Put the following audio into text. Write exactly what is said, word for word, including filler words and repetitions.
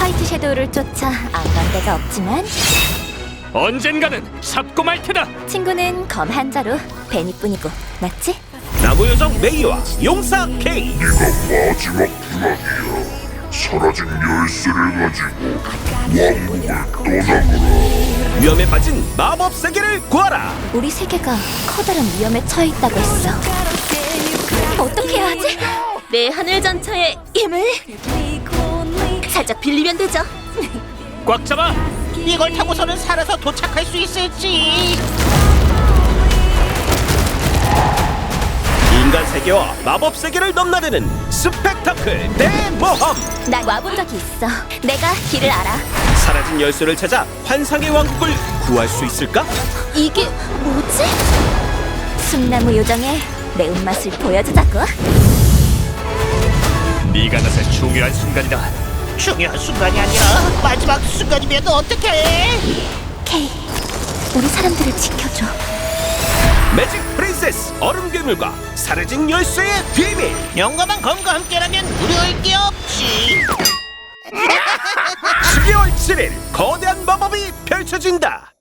화이트 섀도우를 쫓아 안 간 데가 없지만 언젠가는 잡고 말 테다. 친구는 검 한자로 베니뿐이고 맞지? 나무요정 메이와 용사 케이. 네가 마지막 불안이야. 사라진 열쇠를 가지고 왕국을 떠나거라. 위험에 빠진 마법 세계를 구하라. 우리 세계가 커다란 위험에 처해 있다고 했어. 어떻게 해야 하지? 내 하늘 전차의 힘을 살짝 빌리면 되죠. 꽉 잡아. 이걸 타고서는 살아서 도착할 수 있을지. 인간 세계와 마법 세계를 넘나드는 스펙타클 대모험. 난 와본 적이 있어. 내가 길을 알아. 사라진 열쇠를 찾아 환상의 왕국을 구할 수 있을까? 이게 뭐지? 숨나무 요정의 매운맛을 보여주자고. 네가 나설 중요한 순간이다. 중요한 순간이 아니라 마지막 순간이면 어떡해? 케이, 우리 사람들을 지켜줘. 매직 프린세스 얼음 괴물과 사라진 열쇠의 비밀. 용감한 검과 함께라면 두려울 게 없지. 십이월 칠일 거대한 마법이 펼쳐진다.